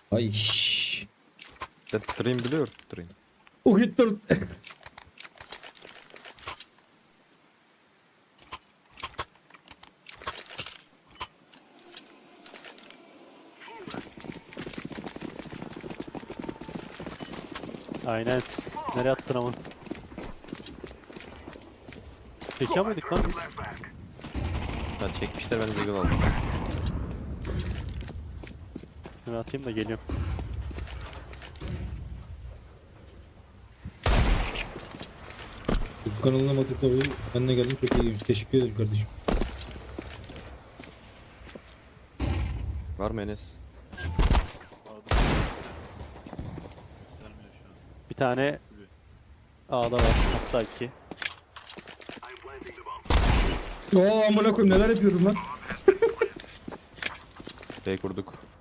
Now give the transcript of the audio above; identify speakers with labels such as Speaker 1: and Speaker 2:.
Speaker 1: Ay.
Speaker 2: Dream biliyor. Dream.
Speaker 1: O gitti.
Speaker 3: Aynen. Nereye attın ama? Çekiyor muyduk lan?
Speaker 2: Ha çekmişler, ben de Deagle aldım.
Speaker 3: Ben atayım da geliyorum.
Speaker 1: Bu kanalına bakıp tabii ben de geldim, çok iyiymiş. Teşekkür ederim kardeşim.
Speaker 2: Var mı Enes?
Speaker 4: Göstermiyor şu an.
Speaker 3: Bir tane A'da var. Hatta iki.
Speaker 1: Oo amına koyayım, neler yapıyorum lan.
Speaker 2: B kurduk.